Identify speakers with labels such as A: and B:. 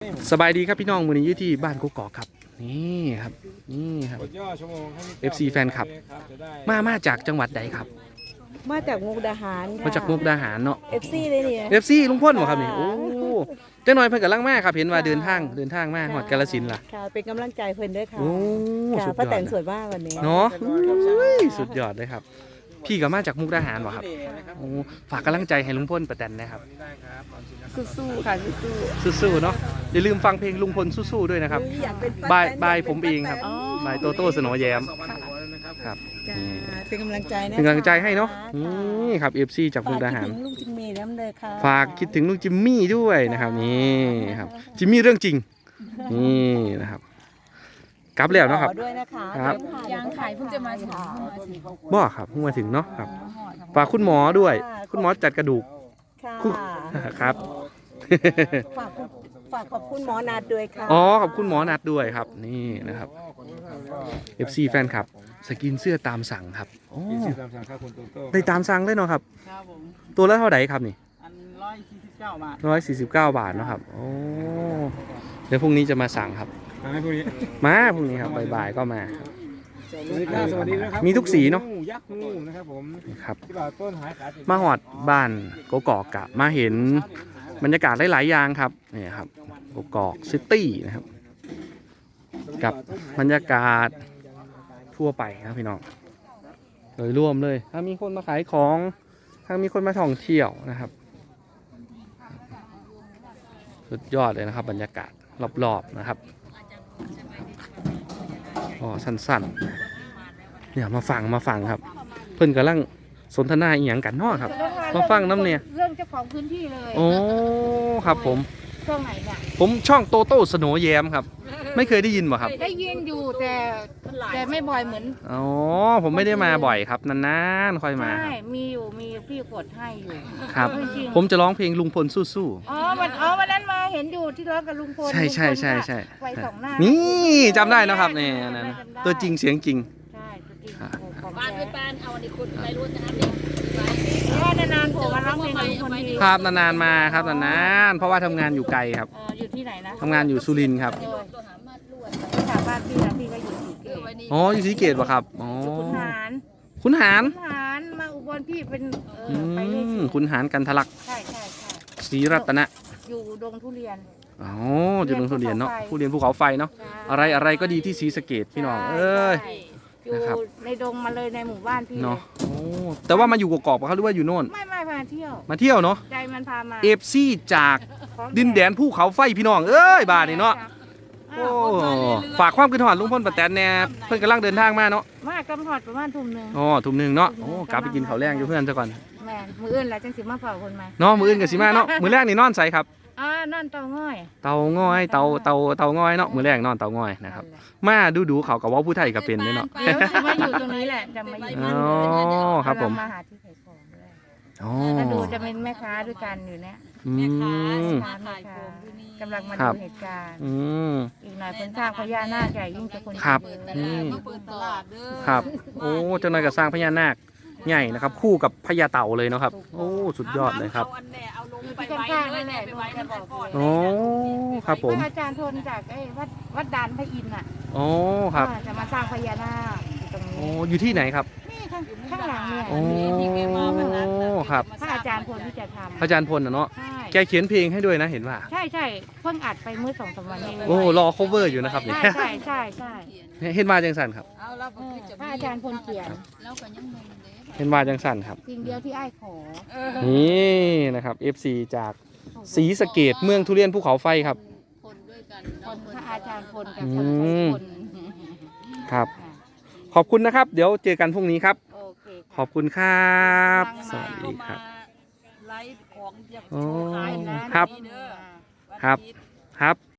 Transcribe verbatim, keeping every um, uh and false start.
A: สบายดีครับพี่น้องมือนี้อยู่ที่บ้านกกอกครับนี่ครับนี่ครับ เอฟ ซี แฟนคลับมามาจากจังหวัดใดครับ
B: มาจากมุกดาหาร
A: มาจากมุกดาหารเนาะ
B: เอฟ ซี เลยเนี่ย
A: เอฟ ซี ลุงพ่นเหรอครับนี่โอ้เจ้าหน่อยเพิ่นกำลังมาครับเห็นว่าเดินทางเดินทางมาหอดกาฬสินธุ์ล่ะ
B: ค่ะเป็นกำลังใจเพิ่นด้วยค่ะ
A: โอ้
B: ค่ะป้าแต่งสวยมากวันนี้
A: เนาะสุดยอดเลยครับพี่ก็มาจากมุกดาหารเหรอครับโอ้ฝากกำลังใจให้ลุงพ่นป้าแตนนะครับ
B: สู้ๆค่ะสู้
A: ๆสู้ๆเนาะอย่าลืมฟังเพลงลุงพลสู้ๆด้วยนะครับบายบายผมเองครับบายโตโต้สโนแยมครับ
B: เป็นกำลังใจนะ
A: เป็นกำลังใจให้เนาะนี่ครับ เอฟ ซี จากมุกดาหาร
B: ลุงจิมมี่น้ำเลยค่ะ
A: ฝากคิดถึงลุงจิมมี่ด้วยนะครับนี่ครับจิมมี่เรื่องจริงนี่นะครับกลับแล้วเนาะครับ
B: ครับยังขายเพิ่งจะมาถึง
A: บ่ครับเพิ่งมาถึงเนาะครับฝากคุณหมอด้วยคุณหมอจัดกระดูกครับ
B: ฝากฝากขอบคุณหมอนัดด้วยค่ะ
A: อ๋อขอบคุณหมอนัดด้วยครับนี่นะครับ เอฟ ซี แฟนคลับสกินเสื้อตามสั่งครับโอ้ได้ตามสั่งเลยเนาะครับตัวละเท่าไหร่ครับนี่
C: ร้อยสี่สิบเก้าบาท
A: ร้อยสี่สิบเก้าบาทเนาะครับโอ้เดี๋ยวพรุ่งนี้จะมาสั่งครับ
C: มาพรุ่งนี้
A: มาพรุ่งนี้ครับบ่ายๆก็มา
C: สวัสดีครับสวัสดีนะครับ
A: มีทุกสีเนาะ
C: ยักษ์งูนะครับผม
A: ครับ
C: ที่บ่าวต้นหายขาด
A: มาหอดบ้านกกอกกะมาเห็นบรรยากาศหลายๆอย่างครับนี่ครับกกอกซิตี้นะครับกับบรรยากาศทั่วไปครับพี่น้องโดยรวมเลยถ้ามีคนมาขายของถ้ามีคนมาท่องเที่ยวนะครับสุดยอดเลยนะครับบรรยากาศรอบๆนะครับอ๋อสั้นๆเนี่ยมาฟังมาฟังครับเพื่อนกำลังสนทนาอีหยังกันเนาะครับมาฟังน้ำเนี่ย
B: เรื่องเจ้าของพื้นที่เลย
A: โอ้ครับผม
B: ช่องไหนเนี่ย
A: ผมช่องโตโต้สโนแยมครับไม่เคยได้ยินบ่ครับ
B: ได้ยินอยู่แต่แต่ไม่บ่อยเหมือน
A: อ๋อผมไม่ได้มาบ่อยครับนานๆค่อยมา
B: ใช่มีอยู่มีพี่กดให้อยู่
A: ครับผมจะร้องเพลงลุงพลสู้
B: ๆอ๋อวันอ๋อวันนั้นมาเห็นอยู่ที่ร้องกับลุงพล
A: ใช่ใช่ใช่ใช่
B: ไฟสองหน้า
A: นี่จำได้นะครับเนี่ยนั่นตัวจริงเสียงจริง
B: ใช่ตัวจริง
D: บ้านเป็นบ้านเอาอันนี้คุณไปรู้นะครับเนี่ย
B: นานๆผมมาร้องเพลงกับลุงพลที
A: ครับนานๆมาครับนานๆเพราะว่าทำงานอยู่ไกลครับ
B: อยู่ที่ไหนนะ
A: ทำงานอยู่สุรินทร์ครับ
B: ถามบ้านพี่นะพี่ก็อยู่ศรีเกต
A: อ๋ออยู่ศรีเกตป่ะครับอ๋อ
B: ขุนหาร
A: ขุนหาร
B: ขุนหารมาอุบลพี่เป็น
A: เออไปเลยขุนหารกันทะลัก
B: ใช่ใช่ใช่
A: ศรีรัตนะ
B: อยู่ดงทุเรียน
A: อ๋ออยู่ดงทุเรียนเนาะทุเรียนภูเขาไฟเนาะอะไรอะไรก็ดีที่ศรีสะเกษพี่น้องเอ้ย
B: อยู่ในดงมาเลยในหมู่บ้านพี่
A: เนาะโอ้แต่ว่ามาอยู่กกอกป่ะครับหรือว่าอยู่โน่น
B: ไม่ไม่มาเที่ยว
A: มาเที่ยวเนาะ
B: ใจมันพามา
A: เอฟซีจากดินแดนภูเขาไฟพี่น้องเอ้ยบ้านนี่เนาะโอ้ฝากความคิดฮอดลุงพลป้าแตนแน่เพิ่นกำลังเดินทางมาเนาะ
B: มากำหอดประมาณทุ่มหนึ่ง
A: อ๋อทุ่มหนึ่งเนาะโอ้กลับไปกินข้าวแรงอยู่เพื่อนซะก่อน
B: แม่มืออื่นแล้วจังสิมาเฝ้าคนมา
A: เนาะมืออื่นกับสิมาเนาะมือแรกนี่นอนใส่ครับ
B: อ่านั่นเตาง่อย
A: เตาง่อยเตาเตาเตาง่อยเนาะมือแรกนอนเตาง่อยนะครับมาดูดูเขากับว่าผู้ไทยก็เป็นเนาะ
B: เดี๋ยวจะมาอยู่ตรงนี้แหละจะมาอยู่
A: อ๋อครับผม
B: มาหาที่ขายของด้วย
A: อ๋อ
B: ถ้าดูจะเป็นแม่ค้าด้วยกันอยู่เนี่ย
A: แม่ค้า
B: ขายของกำลังมาดูเหตุการณ์อีกหน่อยคนสร้างพญานาคใหญ่ยิ่งจะคน
A: ครับครับโอ้เจ้าหน่อยก็สร้างพญานาคใหญ่นะครับคู่กับพญาเต่าเลยเนาะครับโอ้สุดยอดเลยครับโอ้ครับผม
B: อาจารย์ทนจากไอ้วัดวัดดานพระอินทร์อ่ะ
A: โอ้ครับ
B: จะมาสร้างพญานาคตรงนี้
A: โอ้อยู่ที่ไหนครับ
B: นี่ข้างข้างหลังเนี่ย
A: โอ้ครับ
B: พระอาจารย์พลที่จะทำ
A: พระอาจารย์พลนะเนาะแกเขียนเพลงให้ด้วยนะเห็นว่า
B: ใช่ใช่เพิ่งอัดไปเมื่อสองสามวันนี้
A: โอ้รอ cover อยู่นะครับ
B: ใช่ใช่ใช่ใช่
A: เห็นมาจังสันครับ
B: พระอาจารย์พลเขียน
A: เห็นมาจังสันครับ
B: สิ่งเดียวที่ไอ้ขอ
A: นี่นะครับ เอฟ ซี จากศรีสะเกษเมืองทุเรียนภูเขาไฟครับ
B: คนด้วยกันคนพระอาจารย์พลกับคนไทยคน
A: ครับขอบคุณนะครับเดี๋ยวเจอกันพรุ่งนี้ครับขอบคุณครับสวัสดีครับโอ้ครับครับครับ